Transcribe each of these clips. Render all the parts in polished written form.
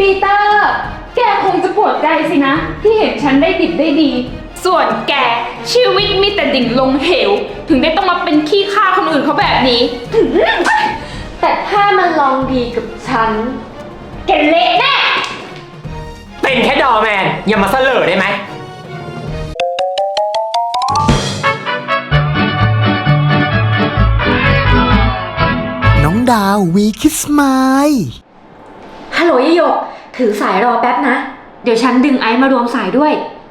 ปีเตอร์ แกคงจะปวดใจสินะที่เห็นฉันได้ดิบได้ดี ส่วนแกชีวิตมีแต่ดิ่งลงเหวถึงได้ต้องมาเป็นขี้ข้าคนอื่นเขาแบบนี้แต่ถ้ามันลองดีกับฉันแกเละแน่เป็นแค่ดอร์แมนอย่ามาเสลอได้ไหมน้องดาววีคิสไมล์ฮัลโหลยโยกถือสายรอแป๊บนะ เดี๋ยวฉันดึงไอซ์มารวมสายด้วย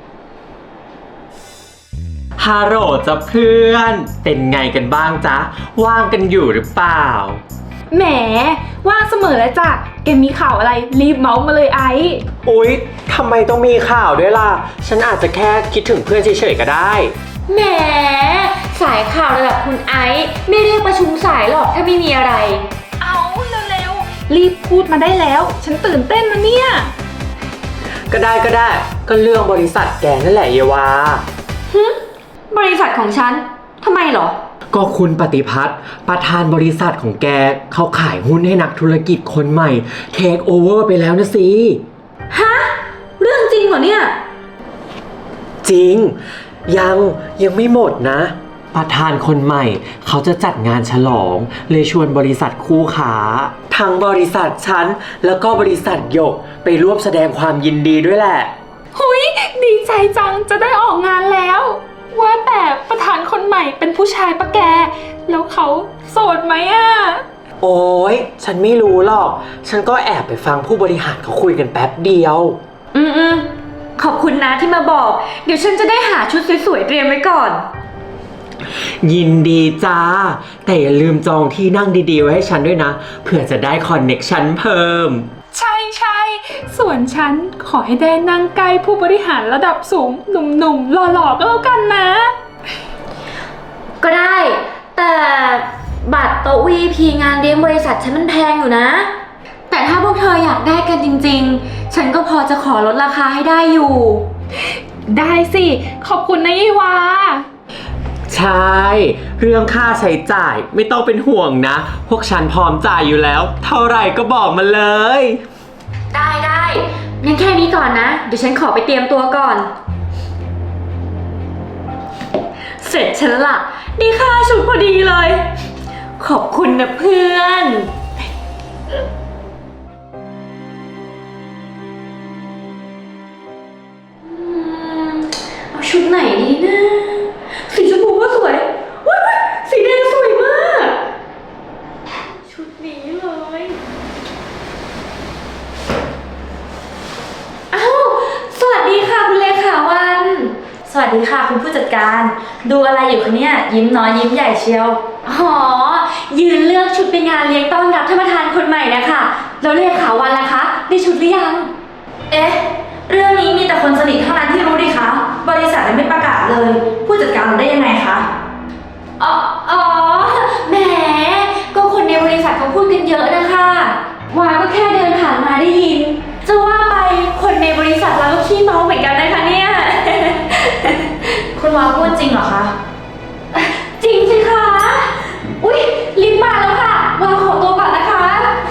ฮัลโหลจ้ะเพื่อน เป็นไงกันบ้างจ๊ะ ว่างกันอยู่หรือเปล่าแหมว่างเสมอแล้วจ้ะแกมีข่าวอะไรรีบเมาส์มาเลยไอ้อุ๊ยทำไมต้องมีข่าวด้วยล่ะ ฉันอาจจะแค่คิดถึงเพื่อนเฉยๆก็ได้แหมสายข่าวระดับคุณไอซ์ไม่เรียกประชุมสายหรอกถ้าไม่มีอะไรเอาเร็วๆรีบพูดมาได้แล้ว ฉันตื่นเต้นนะเนี่ยก็ได้ก็เรื่องบริษัทแกนั่นแหละเยวาบริษัทของฉันทำไมเหรอก็คุณปฏิพัฒน์ประธานบริษัทของแกเขาขายหุ้นให้นักธุรกิจคนใหม่เทคโอเวอร์ไปแล้วนะสิฮะ เรื่องจริงเหรอเนี่ยจริงยังไม่หมดนะ ประธานคนใหม่เขาจะจัดงานฉลองเลยชวนบริษัทคู่ค้าทั้งบริษัทฉันแล้วก็บริษัทหยกไปร่วมแสดงความยินดีด้วยแหละหุยดีใจจังจะได้ออกงานแล้ว ว่าแต่ประธานคนใหม่เป็นผู้ชายปะแก แล้วเขาโสดไหมอะโอ้ยฉันไม่รู้หรอก ฉันก็แอบไปฟังผู้บริหารเขาคุยกันแป๊บเดียวอืมขอบคุณนะที่มาบอก เดี๋ยวฉันจะได้หาชุดสวยๆเตรียมไว้ก่อนยินดีจ้า แต่อย่าลืมจองที่นั่งดีๆไว้ให้ฉันด้วยนะเผื่อจะได้คอนเน็กชันเพิ่มใช่ส่วนฉันขอให้ได้นั่งใกล้ผู้บริหารระดับสูงหนุ่มๆหล่อๆก็แล้วกันนะก็ได้ แต่บัตรโต๊ะ VIP งานเลี้ยงบริษัทฉันมันแพงอยู่นะ แต่ถ้าพวกเธออยากได้กันจริงๆ ฉันก็พอจะขอลดราคาให้ได้อยู่ได้สิขอบคุณนะยี่วาใช่ เรื่องค่าใช้จ่ายไม่ต้องเป็นห่วงนะ พวกฉันพร้อมจ่ายอยู่แล้ว เท่าไหร่ก็บอกมาเลยได้งั้นแค่นี้ก่อนนะ เดี๋ยวฉันขอไปเตรียมตัวก่อน เสร็จฉันละนี่ค่าชุดพอดีเลย ขอบคุณนะเพื่อนเอาชุดไหนดีนะสีชมพูก็สวยว้ายสีแดงสวยมาก ชุดนี้เลยอ้าวสวัสดีค่ะคุณเลขาวันสวัสดีค่ะคุณผู้จัดการ ดูอะไรอยู่คะเนี่ยยิ้มน้อยยิ้มใหญ่เชียวอ๋อยืนเลือกชุดไปงานเลี้ยงต้อนรับท่านประธานคนใหม่นะคะแล้วเลขาวันล่ะคะได้ชุดหรือยังเอ๊ะ เรื่องนี้มีแต่คนสนิทเท่านั้นที่รู้ดิคะบริษัทยังไม่ประกาศเลย ผู้จัดการรู้ได้ยังไงคะอ๋อแหมก็คนในบริษัทเขาพูดกันเยอะนะคะวาก็แค่เดินผ่านมาได้ยิน จะว่าไปคนในบริษัทเราก็ขี้เมาเหมือนกันนะคะเนี่ยคุณวาพูดจริงเหรอคะจริงสิคะอุ๊ยลิฟต์มาแล้วค่ะวาขอตัวก่อนนะคะ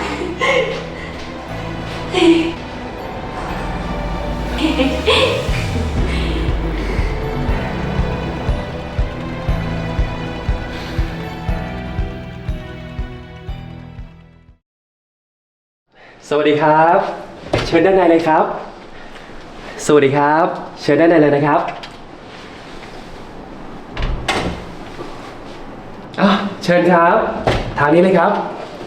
สวัสดีครับ เชิญด้านในเลยครับ สวัสดีครับ เชิญด้านในเลยนะครับเชิญครับ ทางนี้เลยครับ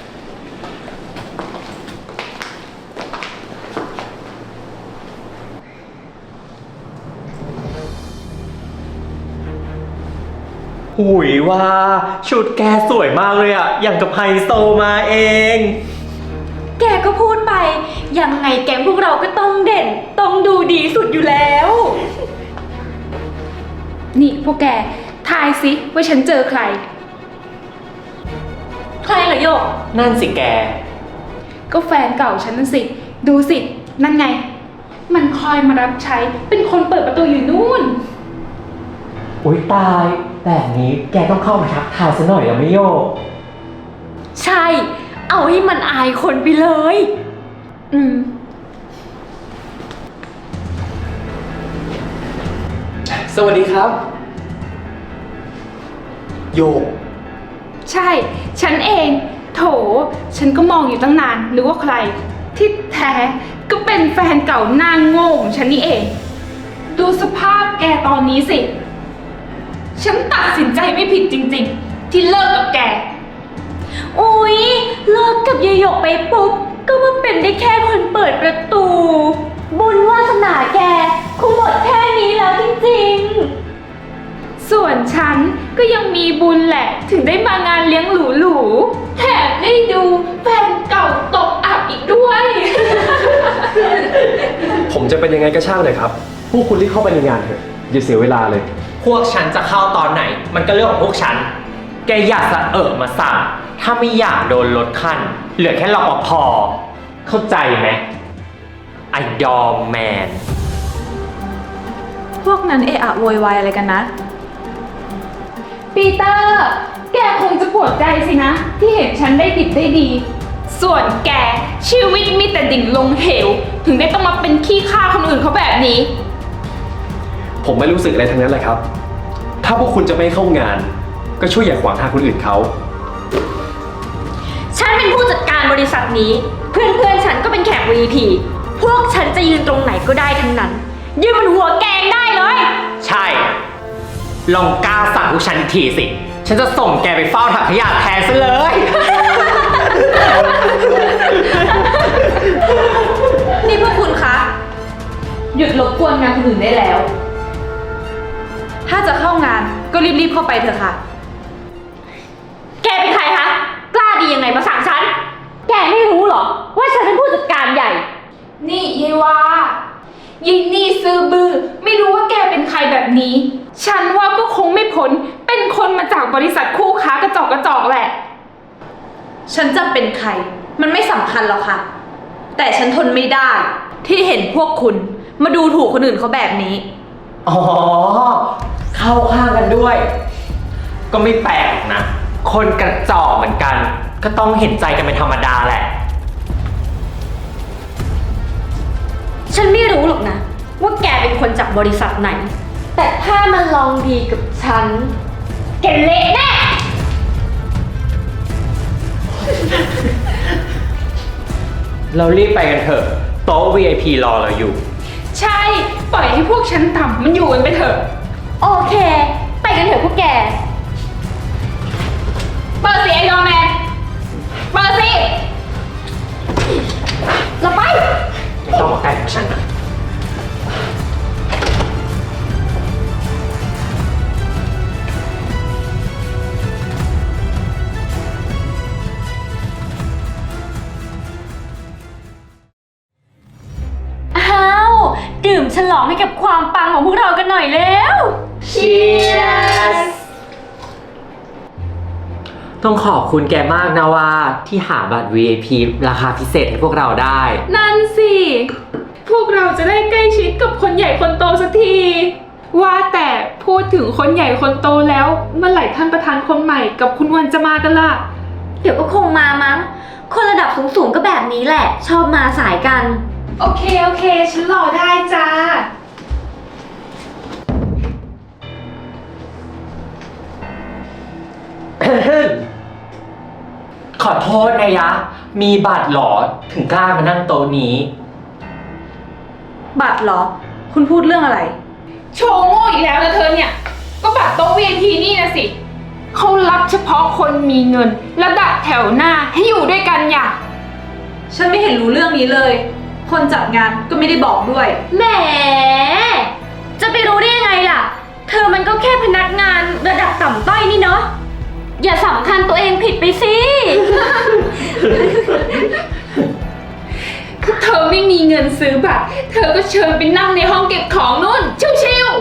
หุยว่าชุดแกสวยมากเลยอะอย่างกับไฮโซมาเองแกก็พูดไป ยังไงแก๊งพวกเราก็ต้องเด่น ต้องดูดีสุดอยู่แล้วนี่พวกแกทายสิว่าฉันเจอใครใครเหรอโยกนั่นสิแกก็แฟนเก่าฉันนั่นสิ ดูสิ นั่นไง มันคอยมารับใช้ เป็นคนเปิดประตูอยู่นู่นอุ๊ยตายแบบนี้แกต้องเข้ามาทักทายซะหน่อยแล้วไม่โยกใช่ เอาให้มันอายคนไปเลยอืมสวัสดีครับ โยกใช่ ฉันเอง โถ ฉันก็มองอยู่ตั้งนานนึกว่าใคร ที่แท้ก็เป็นแฟนเก่าหน้าโง่ของฉันนี่เอง ดูสภาพแกตอนนี้สิ ฉันตัดสินใจไม่ผิดจริงๆ ที่เลิกกับแกอุ๊ยเลิกกับยายหยกไปปุ๊บ ก็มาเป็นได้แค่คนเปิดประตู บุญวาสนาแกคงหมดแค่นี้แล้วจริงๆส่วนฉันก็ยังมีบุญแหละ ถึงได้มางานเลี้ยงหรูๆแถมได้ดูแฟนเก่าตกอับอีกด้วยผมจะเป็นยังไงก็ช่างเลยครับ พวกคุณรีบเข้าไปในงานเถอะ อย่าเสียเวลาเลยพวกฉันจะเข้าตอนไหน มันก็เรื่องของพวกฉัน แกอยากจะมาสั่ง ถ้าไม่อยากโดนลดขั้น เหลือแค่รปภเข้าใจไหมไอ้ดอมแมนพวกนั้นเอะอะโวยวายอะไรกันนะปีเตอร์ แกคงจะปวดใจสินะ ที่เห็นฉันได้ดิบได้ดี ส่วนแกชีวิตมีแต่ดิ่งลงเหว ถึงได้ต้องมาเป็นขี้ข้าคนอื่นเขาแบบนี้ผมไม่รู้สึกอะไรทั้งนั้นเลยครับ ถ้าพวกคุณจะไม่เข้างาน ก็ช่วยอย่าขวางทางคนอื่นเขาฉันเป็นผู้จัดการบริษัทนี้ เพื่อนๆฉันก็เป็นแขก VIP พวกฉันจะยืนตรงไหนก็ได้ทั้งนั้น ยืนบนหัวแกงได้เลยใช่ ลองกล้าสั่งพวกฉันอีกทีสิ ฉันจะส่งแกไปเฝ้าถังขยะแทนซะเลยนี่พวกคุณคะ หยุดรบกวนงานคนอื่นได้แล้ว ถ้าจะเข้างานก็รีบๆเข้าไปเถอะค่ะแกเป็นใครคะ กล้าดียังไงมาสั่งฉัน แกไม่รู้เหรอ ว่าฉันเป็นผู้จัดการใหญ่นี่ยายวายิงนี่ซื้อบือ ไม่รู้ว่าแกเป็นใครแบบนี้ ฉันว่าก็คงไม่พ้น เป็นคนมาจากบริษัทคู่ค้ากระจอกแหละฉันจะเป็นใคร มันไม่สำคัญหรอกค่ะ แต่ฉันทนไม่ได้ ที่เห็นพวกคุณมาดูถูกคนอื่นเขาแบบนี้อ๋อ เข้าข้างกันด้วย ก็ไม่แปลกนะ คนกระจอกเหมือนกัน ก็ต้องเห็นใจกันเป็นธรรมดาแหละฉันไม่รู้หรอกนะ ว่าแกเป็นคนจากบริษัทไหน แต่ถ้ามันลองดีกับฉัน แกเละแน่เรารีบไปกันเถอะ โต๊ะ VIP รอเราอยู่ใช่ ปล่อยให้พวกฉันทำมันอยู่กันไปเถอะโอเค ไปกันเถอะพวกแกเปิดสิไอดอลแมน เปิดสิเราไปไม่ต้องมาใกล้พวกฉันนะอ้าว ดื่มฉลองให้กับความปังของพวกเรากันหน่อยแล้ว Cheers ต้องขอบคุณแกมากนะว่าที่หาบัตร VIP ราคาพิเศษให้พวกเราได้นั่นสิ พวกเราจะได้ใกล้ชิดกับคนใหญ่คนโตสักที ว่าแต่พูดถึงคนใหญ่คนโตแล้ว เมื่อไหร่ท่านประธานคนใหม่กับคุณวันจะมากันล่ะเดี๋ยวก็คงมามั้ง คนระดับสูงๆก็แบบนี้แหละ ชอบมาสายกันโอเค ฉันรอได้จ้าขอโทษนะยะ มีบัตรหรอถึงกล้ามานั่งโต๊ะนี้บัตรเหรอ คุณพูดเรื่องอะไรโชว์โง่อีกแล้วนะเธอเนี่ย ก็บัตรโต๊ะ VIP นี่นะสิ เขารับเฉพาะคนมีเงิน ระดับแถวหน้าให้อยู่ด้วยกันอย่างฉันไม่เห็นรู้เรื่องนี้เลย คนจัดงานก็ไม่ได้บอกด้วยแหม จะไปรู้ได้ยังไงล่ะ เธอมันก็แค่พนักงานระดับต่ำต้อยนี่เนาะ อย่าสำคัญตัวเองผิดไปสิถ้าเธอไม่มีเงินซื้อบัตร เธอก็เชิญไปนั่งในห้องเก็บของนู่น ชิว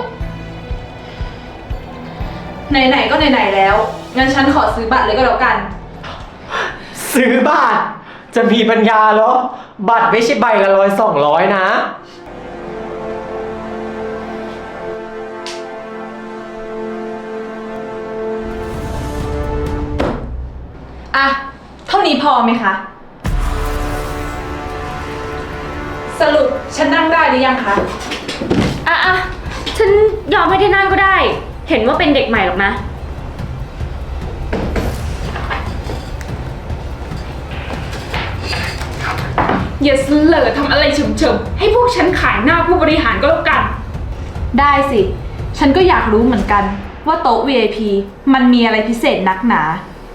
ไหนๆก็ไหนๆแล้ว งั้นฉันขอซื้อบัตรเลยก็แล้วกันซื้อบัตรจะมีปัญญาเหรอ บัตรไม่ใช่ใบละ100-200นะอ่ะ เท่านี้พอไหมคะ สรุปฉันนั่งได้หรือยังคะอ่ะ ฉันฉันยอมให้ที่นั่งก็ได้ เห็นว่าเป็นเด็กใหม่หรอกนะอย่าเสลอทำอะไรเฉิมๆให้พวกฉันขายหน้าผู้บริหารก็แล้วกันได้สิ ฉันก็อยากรู้เหมือนกันว่าโต๊ะ VIP มันมีอะไรพิเศษนักหนา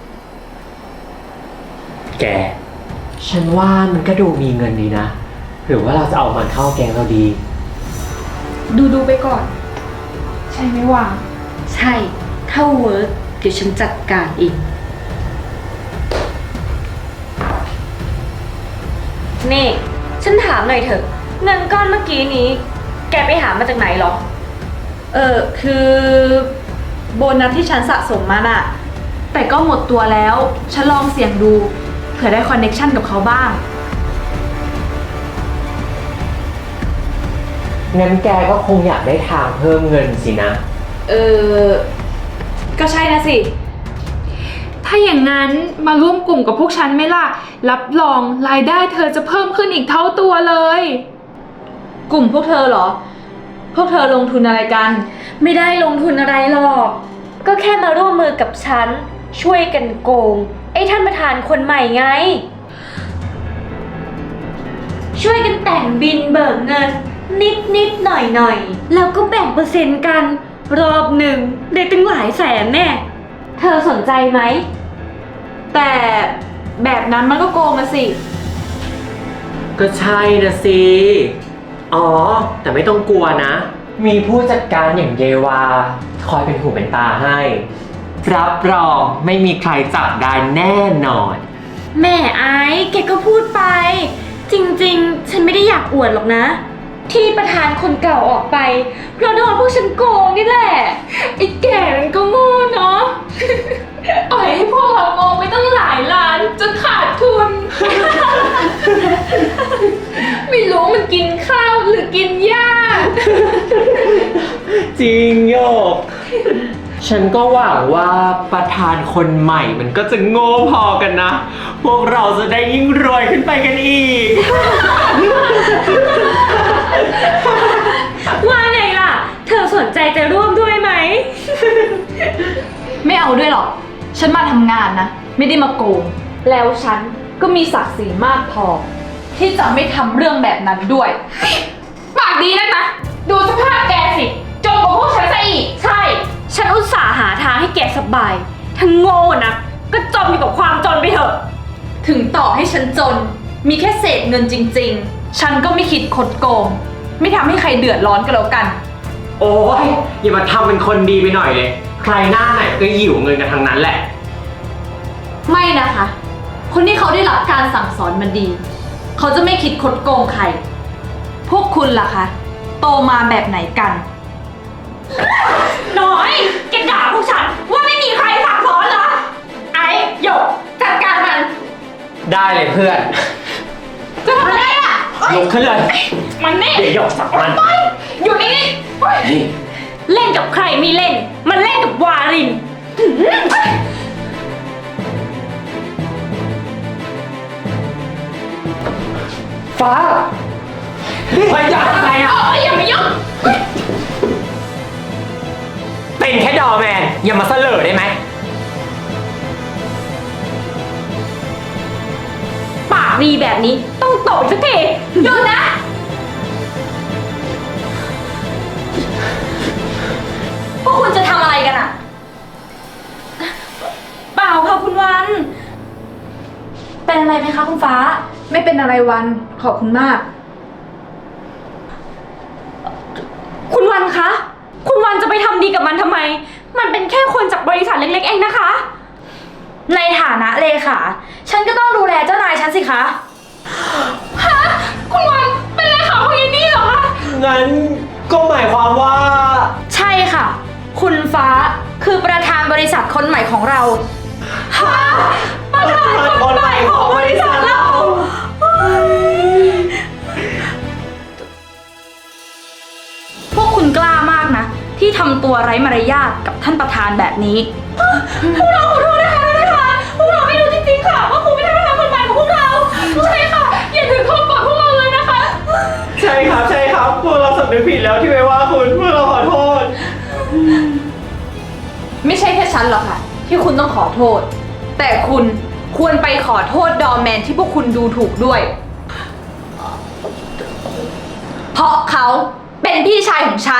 แก ฉันว่ามันก็ดูมีเงินดีนะ หรือว่าเราจะเอามันเข้าแกงเราดีดูไปก่อน ใช่ไหมวะใช่ ถ้าเวิร์กเดี๋ยวฉันจัดการเอง นี่ ฉันถามหน่อยเถอะ เงินก้อนเมื่อกี้นี้ แกไปหามาจากไหนหรอคือโบนัสที่ฉันสะสมมาน่ะ แต่ก็หมดตัวแล้ว ฉันลองเสี่ยงดูเผื่อได้คอนเน็กชันกับเขาบ้างงั้นแกก็คงอยากได้ทางเพิ่มเงินสินะก็ใช่นะสิถ้าอย่างนั้นมาร่วมกลุ่มกับพวกฉันไหมล่ะ รับรองรายได้เธอจะเพิ่มขึ้นอีกเท่าตัวเลยกลุ่มพวกเธอเหรอ พวกเธอลงทุนอะไรกันไม่ได้ลงทุนอะไรหรอก ก็แค่มาร่วมมือกับฉัน ช่วยกันโกง ไอ้ท่านประธานคนใหม่ไง ช่วยกันแต่งบินเบิกเงิน นิดหน่อยแล้วก็แบ่งเปอร์เซ็นต์กัน รอบหนึ่งได้ตั้งหลายแสนแน่ เธอสนใจไหมแต่แบบนั้นมันก็โกงนะสิก็ใช่นะสิ อ๋อ แต่ไม่ต้องกลัวนะ มีผู้จัดการอย่างเยวา คอยเป็นหูเป็นตาให้ รับรองไม่มีใครจับได้แน่นอนแม่ไอ้แกก็พูดไป จริงๆ ฉันไม่ได้อยากอวดหรอกนะ ที่ประธานคนเก่าออกไปเพราะโดนพวกฉันโกงนี่แหละไอ้แก่มันก็โง่เนาะ ปล่อยให้พวกเราโกงไปตั้งหลายล้านจนขาดทุน ไม่รู้มันกินข้าวหรือกินหญ้าจริงโยก ฉันก็หวังว่าประธานคนใหม่มันก็จะโง่พอกันนะ พวกเราจะได้ยิ่งรวยขึ้นไปกันอีกว่าไงล่ะ เธอสนใจจะร่วมด้วยไหมไม่เอาด้วยหรอก ฉันมาทำงานนะ ไม่ได้มาโกง แล้วฉันก็มีศักดิ์ศรีมากพอ ที่จะไม่ทำเรื่องแบบนั้นด้วยปากดีนักนะ ดูสภาพแกสิ จนกว่าพวกฉันซะอีกใช่ ฉันอุตส่าห์หาทางให้แกสบายทั้งโง่นะ ก็จมอยู่กับความจนไปเถอะถึงต่อให้ฉันจน มีแค่เศษเงินจริงๆ ฉันก็ไม่คิดคดโกง ไม่ทำให้ใครเดือดร้อนก็แล้วกันโอ้ยอย่ามาทำเป็นคนดีไปหน่อยเลย ใครหน้าไหนก็หิวเงินกันทั้งนั้นแหละไม่นะคะ คนที่เขาได้รับการสั่งสอนมาดี เขาจะไม่คิดคดโกงใคร พวกคุณล่ะคะ โตมาแบบไหนกันน้อยแกด่าพวกฉันว่าไม่มีใครสั่งสอนเหรอไอ้หยกจัดการมันได้เลยเพื่อนจะทำอะไรอ่ะยกขึ้นเลยมันนี่เดี๋ยวหยอกสักมันอยู่นี่ๆเฮ้ยนี่เล่นกับใครไม่เล่น มันเล่นกับวารินฟ้าไปจับอะไรอ่ะอย่ามายุ่งเป็นแค่ดอร์แมน อย่ามาเสลอได้ไหมปากดีแบบนี้ต้องตบสักทีหยุดนะ พวกคุณจะทำอะไรกันอะเปล่าค่ะคุณวัน เป็นอะไรไหมคะคุณฟ้าไม่เป็นอะไรวัน ขอบคุณมากคุณวันคะ คุณวันจะไปทำดีกับมันทำไม มันเป็นแค่คนจากบริษัทเล็กๆเองนะคะ ในฐานะเลขา ฉันก็ต้องดูแลเจ้านายฉันสิคะฮะ คุณวันเป็นอะไรของคุณนี่เหรอคะงั้นก็หมายความว่าใช่ค่ะ คุณฟ้าคือประธานบริษัทคนใหม่ของเราประธานคนใหม่ของบริษัทเราพวกคุณกล้ามากนะ ที่ทำตัวไร้มารยาทกับท่านประธานแบบนี้พวกเราขอโทษนะคะท่านประธานพวกเราไม่รู้จริงๆค่ะว่าคุณเป็นท่านประธานคนใหม่ของพวกเรา ใช่ค่ะ อย่าถือโทษโกรธพวกเราเลยนะคะใช่ครับ พวกเราสำนึกผิดแล้วที่ไปว่าคุณ พวกเราขอโทษฉันหรอกค่ะ ที่คุณต้องขอโทษ แต่คุณควรไปขอโทษดอร์แมนที่พวกคุณดูถูกด้วย เพราะเขาเป็นพี่ชายของฉัน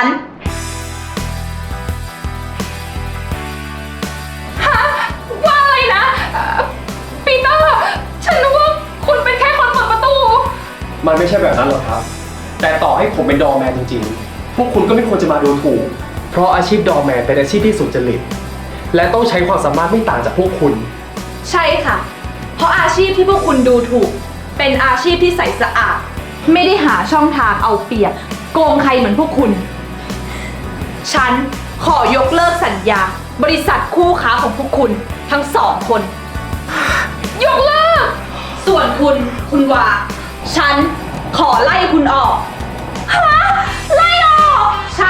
ว่าอะไรนะปีเตอร์ ฉันนึกว่าคุณเป็นแค่คนเปิดประตูมันไม่ใช่แบบนั้นหรอกครับ แต่ต่อให้ผมเป็นดอร์แมนจริงๆ พวกคุณก็ไม่ควรจะมาดูถูก เพราะอาชีพดอร์แมนเป็นอาชีพที่สุจริต และต้องใช้ความสามารถไม่ต่างจากพวกคุณใช่ค่ะ เพราะอาชีพที่พวกคุณดูถูก เป็นอาชีพที่ใสสะอาด ไม่ได้หาช่องทางเอาเปรียบโกงใครเหมือนพวกคุณ ฉันขอยกเลิกสัญญา บริษัทคู่ค้าของพวกคุณทั้งสองคนยกเลิกส่วนคุณวา ฉันขอไล่คุณออก ไล่ออก ใช่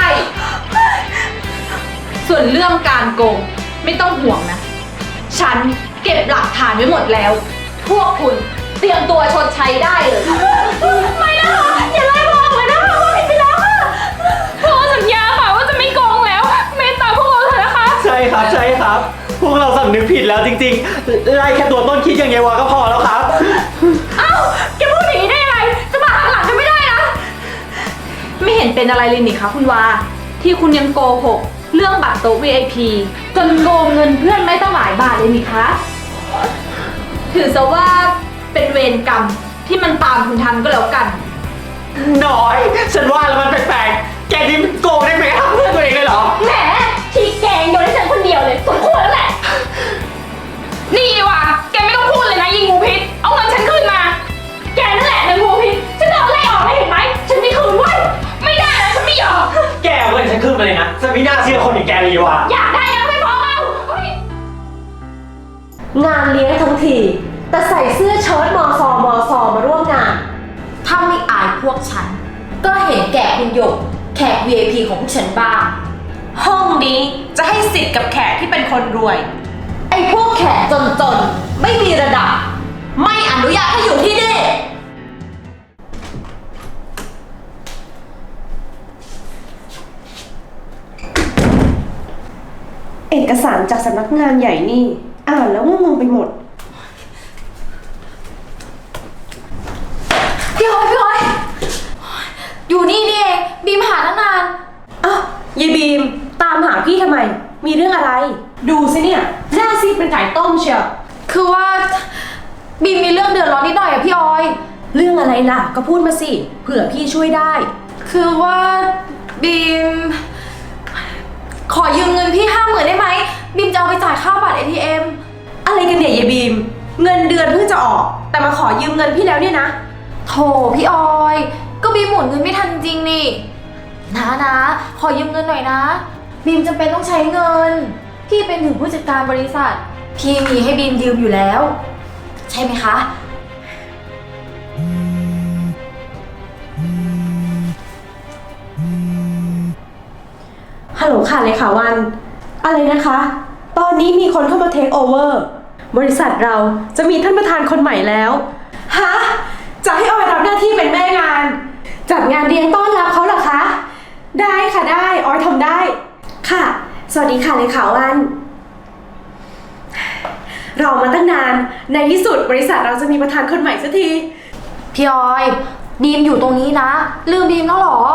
ส่วนเรื่องการโกงไม่ต้องห่วงนะ ฉันเก็บหลักฐานไว้หมดแล้ว พวกคุณเตรียมตัวชดใช้ได้เลยไม่นะคะอย่าไล่พวกเราเลยนะคะพวกผิดไปแล้วค่ะพวกเราสัญญาค่ะว่าจะไม่โกงแล้ว เมตตาพวกเราเถอะนะคะใช่ครับ ใช่ครับ พวกเราสำนึกผิดแล้วจริงๆ ไล่แค่ตัวต้นคิดอย่างไงวะก็พอแล้วครับเอ้าแกพูดอย่างนี้ได้ยังไง จะมาหักหลังกันไม่ได้นะไม่เห็นเป็นอะไรเลยนี่คะคุณวา ที่คุณยังโกหกเรื่องบัตรโต๊ะ VIP จนโกงเงินเพื่อนไม่ตั้งหลายบาทเลยนี่คะ ถือซะว่าเป็นเวรกรรมที่มันตามคุณทันก็แล้วกันน้อย ฉันว่าแล้วมันแปลกๆ แกนี่มันโกงได้ไหมครับเพื่อนตัวเองเลยเหรอแหมทีแกงโยนให้ฉันคนเดียวเลยสมควรแล้วแหละ นี่ว่ะแกไม่ต้องพูดเลยนะยิงงูพิษ เอาเงินฉันคืนมา แกนั่นแหละนางงูพิษ ฉันโดนไล่ออกไม่เห็นไหม ฉันไม่คืนเว้ยไม่ได้นะฉันไม่ยอมแกเอาเงินฉันขึ้นมาเลยนะฉันไม่น่าเชื่อคนอย่างแกเลยว่ะอยากได้ยังไม่พอเอาเฮ้ยงานเลี้ยงทั้งที แต่ใส่เสื้อเชิ้ตมอมาร่วมงานถ้าไม่อายพวกฉัน ก็เห็นแก่คุณหยกแขก VIP ของพวกฉันบ้างห้องนี้จะให้สิทธิ์กับแขกที่เป็นคนรวยไอ้พวกแขกจนๆ ไม่มีระดับไม่อนุญาตให้อยู่ที่นี่เอกสารจากสำนักงานใหญ่นี่ อ่านแล้วงงไปหมดพี่ออย อยู่นี่นี่เองบีมหาตั้งนานอ้าวยายบีม ตามหาพี่ทำไม มีเรื่องอะไร ดูสิเนี่ย หน้าซีดเป็นไก่ต้มเชียวคือว่าบีมมีเรื่องเดือดร้อนนิดหน่อยอะพี่ออยเรื่องอะไรล่ะ ก็พูดมาสิ เผื่อพี่ช่วยได้คือว่าบีม ขอยืมเงินพี่50,000ได้ไหมบีมจะเอาไปจ่ายค่าบัตร ATM อะไรกันเนี่ยยายบีม เงินเดือนเพิ่งจะออก แต่มาขอยืมเงินพี่แล้วเนี่ยนะโถพี่ออย ก็บีมหมุนเงินไม่ทันจริงนี่นะขอยืมเงินหน่อยนะบีมจำเป็นต้องใช้เงินพี่เป็นถึงผู้จัดการบริษัทพี่มีให้บีมยืมอยู่แล้ว ใช่ไหมคะฮัลโหลค่ะเลขาวัน อะไรนะคะ ตอนนี้มีคนเข้ามาเทคโอเวอร์ บริษัทเราจะมีท่านประธานคนใหม่แล้ว ฮะ จะให้ออยรับหน้าที่เป็นแม่งาน จัดงานเลี้ยงต้อนรับเขาเหรอคะ ได้ค่ะได้ ออยทำได้ ค่ะ สวัสดีค่ะเลขาวัน รอมาตั้งนาน ในที่สุดบริษัทเราจะมีประธานคนใหม่สักทีพี่ออยบีมอยู่ตรงนี้นะลืมบีมแล้วเหรอ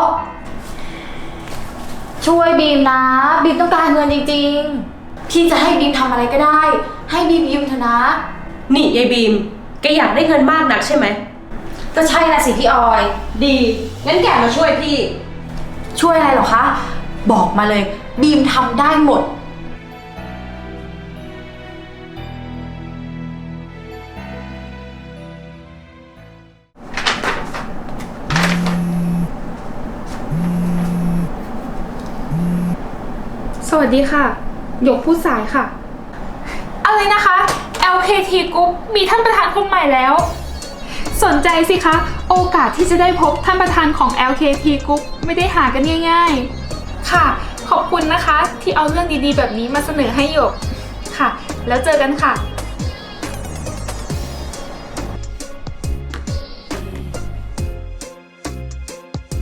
ช่วยบีมนะบีมต้องการเงินจริงๆพี่จะให้บีมทำอะไรก็ได้ ให้บีมยืมเถอะนะนี่ยายบีม แกอยากได้เงินมากนักใช่ไหมก็ใช่นะสิพี่ออยดี งั้นแกมาช่วยพี่ช่วยอะไรเหรอคะ บอกมาเลยบีมทำได้หมดสวัสดีค่ะ หยกผู้สายค่ะ อะไรนะคะ LKT Group มีท่านประธานคนใหม่แล้ว สนใจสิคะ โอกาสที่จะได้พบท่านประธานของ LKT Group ไม่ได้หากันง่ายๆ ค่ะ ขอบคุณนะคะที่เอาเรื่องดีๆแบบนี้มาเสนอให้หยก ค่ะ แล้วเจอกันค่ะ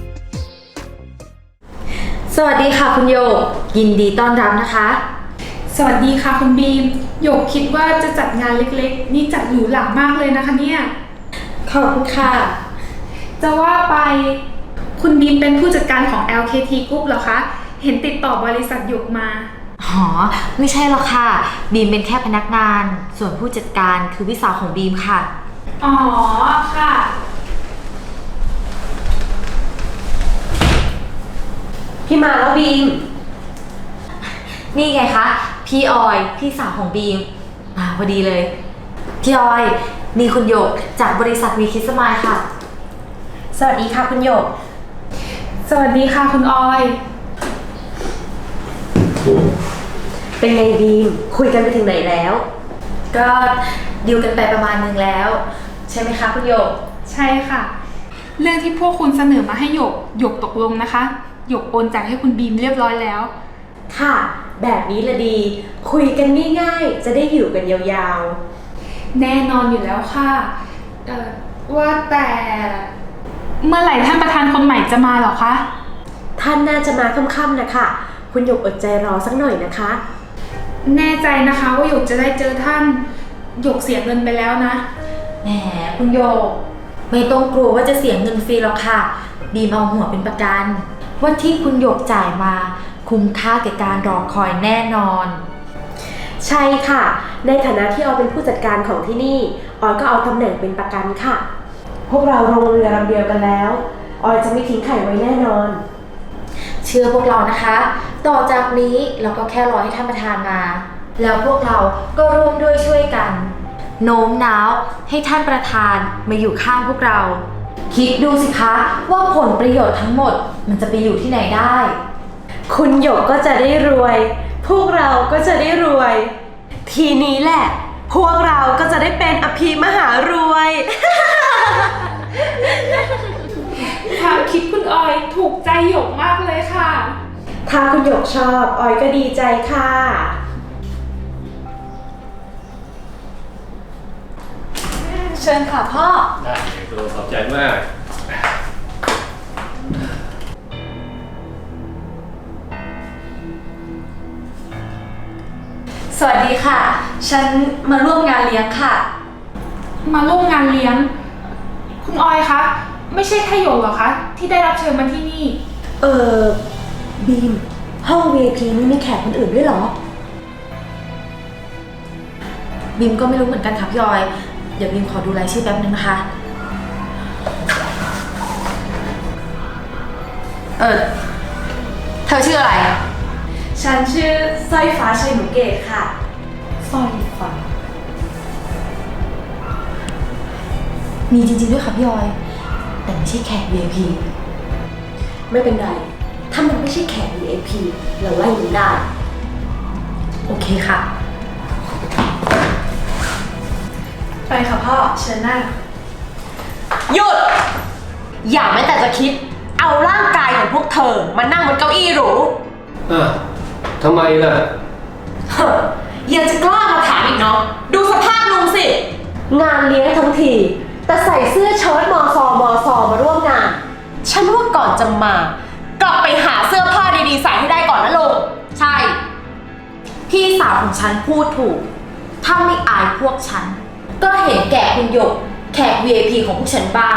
สวัสดีค่ะคุณโยกยินดีต้อนรับนะคะสวัสดีค่ะคุณบีมหยกคิดว่าจะจัดงานเล็กๆ นี่จัดหรูหรามากเลยนะคะเนี่ยขอบคุณค่ะจะว่าไปคุณบีมเป็นผู้จัดการของ LKT Group เหรอคะ เห็นติดต่อบริษัทหยกมาอ๋อ ไม่ใช่หรอกค่ะ บีมเป็นแค่พนักงาน ส่วนผู้จัดการคือพี่สาวของบีมค่ะอ๋อค่ะพี่มาแล้วบีมนี่ไงคะ พี่ออย พี่สาวของบีมมาพอดีเลย พี่ออย นี่คุณหยกจากบริษัทวีคิสมายค่ะสวัสดีค่ะคุณหยกสวัสดีค่ะคุณออยเป็นไงบีม คุยกันไปถึงไหนแล้วก็ดีลกันไปประมาณนึงแล้ว ใช่ไหมคะคุณหยกใช่ค่ะ เรื่องที่พวกคุณเสนอมาให้หยกหยกตกลงนะคะ หยกโอนจ่ายให้คุณบีมเรียบร้อยแล้วค่ะ แบบนี้ละดี คุยกันง่ายๆ จะได้อยู่กันยาวแน่นอนอยู่แล้วค่ะว่าแต่เมื่อไหร่ท่านประธานคนใหม่จะมาเหรอคะๆ ท่านน่าจะมาค่ำๆนะคะ คุณหยกอดใจรอสักหน่อยนะคะแน่ใจนะคะว่าหยกจะได้เจอท่านหยกเสียเงินไปแล้วนะแหมคุณโยก ไม่ต้องกลัวว่าจะเสียเงินฟรีหรอกค่ะ บีมเอาหัวเป็นประกันว่าที่คุณโยกจ่ายมาคุ้มค่าแก่การรอคอยแน่นอนใช่ค่ะ ในฐานะที่ออยเป็นผู้จัดการของที่นี่ ออยก็เอาตำแหน่งเป็นประกันค่ะ พวกเราลงเรือลำเดียวกันแล้ว ออยจะไม่ทิ้งไข่ไว้แน่นอนเชื่อพวกเรานะคะ ต่อจากนี้เราก็แค่รอให้ท่านประธานมา แล้วพวกเราก็ร่วมด้วยช่วยกัน โน้มน้าวให้ท่านประธานมาอยู่ข้างพวกเรา คิดดูสิคะว่าผลประโยชน์ทั้งหมดมันจะไปอยู่ที่ไหนได้คุณหยกก็จะได้รวย พวกเราก็จะได้รวย ทีนี้แหละ พวกเราก็จะได้เป็นอภิมหารวยความคิดคุณออยถูกใจหยกมากเลยค่ะถ้าคุณหยกชอบออยก็ดีใจค่ะเชิญค่ะพ่อได้ตัวขอบใจมากสวัสดีค่ะ ฉันมาร่วมงานเลี้ยงค่ะมาร่วมงานเลี้ยง คุณออยคะไม่ใช่แค่หยกเหรอคะที่ได้รับเชิญมาที่นี่บีม ห้อง VIP นี่มีแขกคนอื่นด้วยเหรอบีมก็ไม่รู้เหมือนกันค่ะพี่ออย เดี๋ยวบีมขอดูรายชื่อแป๊บนึงนะคะ เธอชื่ออะไรฉันชื่อสร้อยฟ้าชัยหนูเกตค่ะสร้อยฟ้า มีจริงๆด้วยค่ะพี่ออย แต่ไม่ใช่แขก VIP ไม่เป็นไร ถ้ามันไม่ใช่แขก VIP เราไล่มันได้โอเคค่ะไปค่ะพ่อ เชิญนั่งหยุด อย่าแม้แต่จะคิด เอาร่างกายของพวกเธอมานั่งบนเก้าอี้หรูทำไมล่ะเฮ้อยังจะกล้ามาถามอีกเนาะ ดูสภาพลุงสิ งานเลี้ยงทั้งที แต่ใส่เสื้อเชิ้ตมอมาร่วมงาน ฉันว่าก่อนจะมา กลับไปหาเสื้อผ้าดีๆใส่ให้ได้ก่อนนะลุงใช่ พี่สาวของฉันพูดถูก ถ้าไม่อายพวกฉัน ก็เห็นแก่คุณหยก แขก VIP ของพวกฉันบ้าง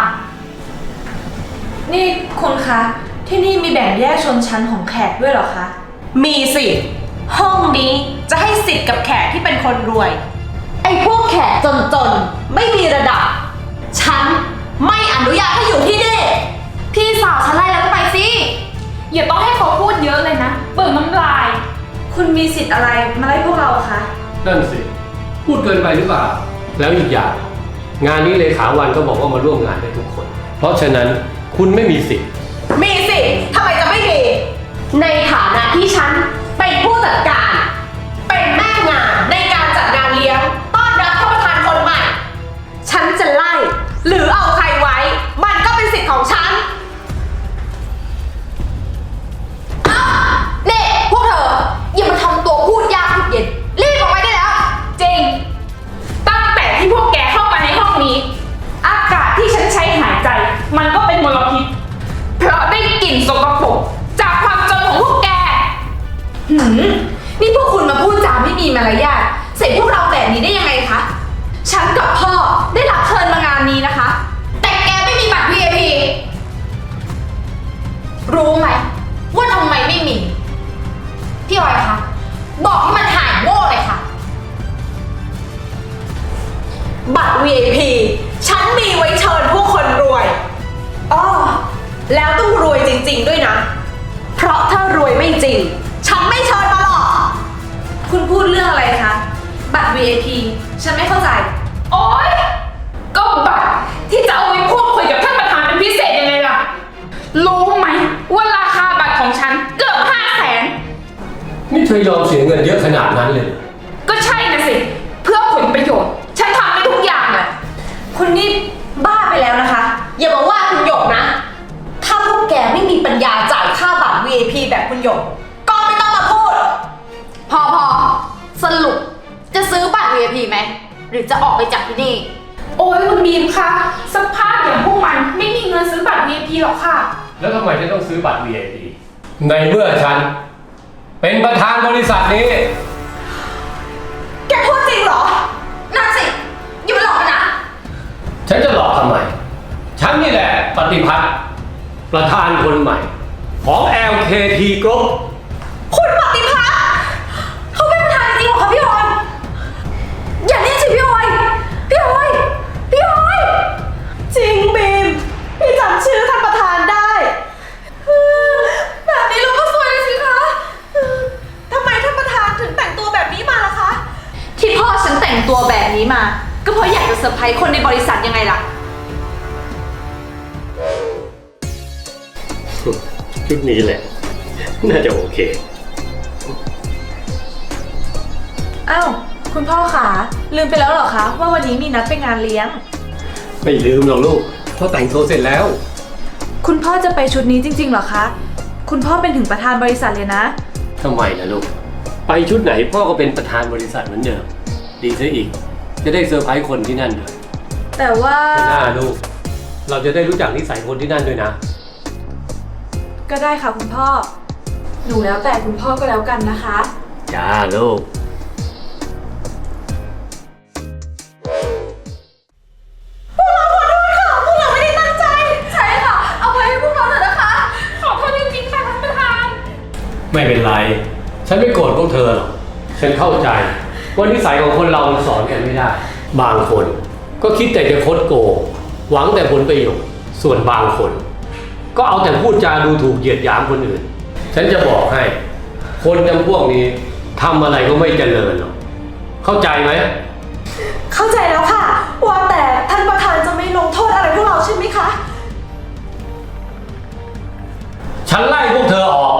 นี่คุณคะ ที่นี่มีแบ่งแยกชนชั้นของแขกด้วยเหรอคะมีสิ ห้องนี้จะให้สิทธิ์กับแขกที่เป็นคนรวย ไอ้พวกแขกจนๆ ไม่มีระดับ ฉันไม่อนุญาตให้อยู่ที่นี่พี่สาวฉันไล่แล้วก็ไปสิอย่าต้องให้เขาพูดเยอะเลยนะเบิ่งน้ำลายคุณมีสิทธิ์อะไรมาไล่พวกเราคะนั่นสิ พูดเกินไปหรือเปล่า แล้วอีกอย่าง งานนี้เลขาวันก็บอกว่ามาร่วมงานได้ทุกคน เพราะฉะนั้นคุณไม่มีสิทธิ์มีสิทำไมจะไม่มี ในฐานะที่ฉันเป็นผู้จัดการ เป็นแม่งานในการจัดงานเลี้ยงต้อนรับท่านประธานคนใหม่ ฉันจะไล่ หรือเอาใครไว้ มันก็เป็นสิทธิ์ของฉันเน่พวกเธอ อย่ามาทำตัวพูดยากพูดเย็น รีบออกไปได้แล้วจริง ตั้งแต่ที่พวกแกเข้ามาในห้องนี้ อากาศที่ฉันใช้หายใจ มันก็เป็นมลพิษ เพราะได้กลิ่นสกปรกจากความจนของพวกแกนี่พวกคุณมาพูดจาไม่มีมารยาทใส่พวกเราแบบนี้ได้ยังไงคะ ฉันกับพ่อได้รับเชิญมางานนี้นะคะ แต่แกไม่มีบัตร VIP รู้ไหมว่าทำไมไม่มี พี่ออยคะ บอกให้มันหายโง่เลยค่ะบัตร VIP ฉันมีไว้เชิญผู้คนรวยอ้อแล้วต้องรวยจริงๆด้วยนะ เพราะถ้ารวยไม่จริง ฉันไม่เชิญมาหรอกคุณพูดเรื่องอะไรคะ บัตร VIP ฉันไม่เข้าใจโอ๊ย ก็บัตรที่จะเอาไว้พูดคุยกับท่านประธานเป็นพิเศษยังไงล่ะ รู้ไหมว่าราคาบัตรของฉันเกือบ500,000 นี่เธอยอมเสียเงินเยอะขนาดนั้นเลยเหรอก็ใช่นะสิ เพื่อผลประโยชน์ ฉันทำได้ทุกอย่างแหละคุณนี่บ้าไปแล้วนะคะอย่ามาว่าคุณหยกนะ ถ้าพวกแกไม่มีปัญญาจ่ายค่าบัตร VIP แบบคุณหยก ก็ไม่ต้องมาพูดพอสรุปจะซื้อบัตร VIP ไหม หรือจะออกไปจากที่นี่โอ้ยคุณบีมคะสภาพอย่างพวกมันไม่มีเงินซื้อบัตร VIP หรอกค่ะแล้วทำไมฉันต้องซื้อบัตร VIP ในเมื่อฉัน เป็นประธานบริษัทนี้แกพูดจริงเหรอนั่นสิ อย่ามาหลอกกันนะฉันจะหลอกทำไม ฉันนี่แหละปฏิพัฒน์ประธานคนใหม่ ของ LKT Group คุณปฏิพัฒน์เขาเป็นประธานจริงเหรอคะพี่ออย อย่าเรียกสิพี่ออย พี่ออย พี่ออย จริงบีม พี่จำชื่อท่านประธานได้ แบบนี้เราก็สวยเลยสิคะทำไมท่านประธานถึงแต่งตัวแบบนี้มาล่ะคะที่พ่อฉันแต่งตัวแบบนี้มา ก็เพราะอยากจะเซอร์ไพรส์คนในบริษัทยังไงล่ะชุดนี้แหละ น่าจะโอเคอ้าว คุณพ่อขาลืมไปแล้วเหรอคะ ว่าวันนี้มีนัดไปงานเลี้ยงไม่ลืมหรอกลูกเพราะแต่งตัวเสร็จแล้วคุณพ่อจะไปชุดนี้จริงๆเหรอคะ คุณพ่อเป็นถึงประธานบริษัทเลยนะทำไมล่ะลูก ไปชุดไหนพ่อก็เป็นประธานบริษัทเหมือนเดิม ดีซะอีก จะได้เซอร์ไพรส์คนที่นั่นด้วยแต่ว่าหน้าลูก เราจะได้รู้จักนิสัยคนที่นั่นด้วยนะก็ได้ค่ะคุณพ่อ หนูแล้วแต่คุณพ่อก็แล้วกันนะคะจ้าลูกใช่ค่ะ เอาไปให้พวกเราเถอะนะคะขอโทษจริงๆค่ะท่านประธานไม่เป็นไร ฉันไม่โกรธพวกเธอหรอก ฉันเข้าใจว่านิสัยของคนเรามันสอนกันไม่ได้ บางคนก็คิดแต่จะคดโกง หวังแต่ผลประโยชน์ ส่วนบางคน ก็เอาแต่พูดจาดูถูกเหยียดหยามคนอื่น ฉันจะบอกให้ คนจำพวกนี้ทำอะไรก็ไม่เจริญหรอก เข้าใจไหมเข้าใจแล้วค่ะ ว่าแต่ท่านประธานจะไม่ลงโทษอะไรพวกเราใช่ไหมคะฉันไล่พวกเธอออก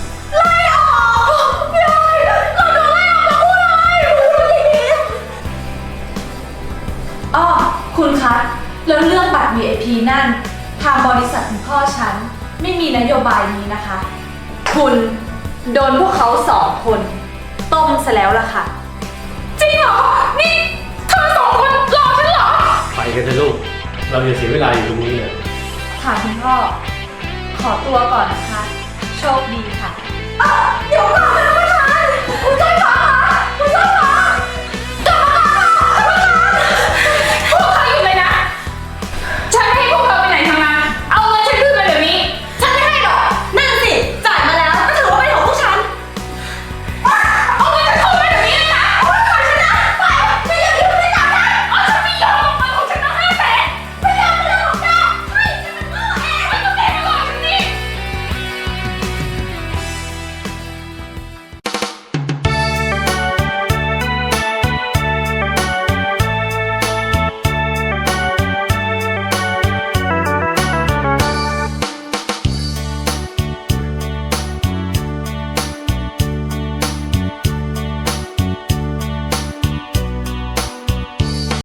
อ้อคุณคะ แล้วเรื่องบัตร VIP นั่น ทางบริษัทของพ่อฉันไม่มีนโยบายนี้นะคะ คุณโดนพวกเขา2 คนต้มซะแล้วล่ะค่ะจริงเหรอ นี่เธอ2 คนรอฉันเหรอไปกันเถอะลูก เราอย่าเสียเวลาอยู่ตรงนี้เลยค่ะคุณพ่อ ขอตัวก่อนนะคะ โชคดีค่ะเดี๋ยวก่อนนะ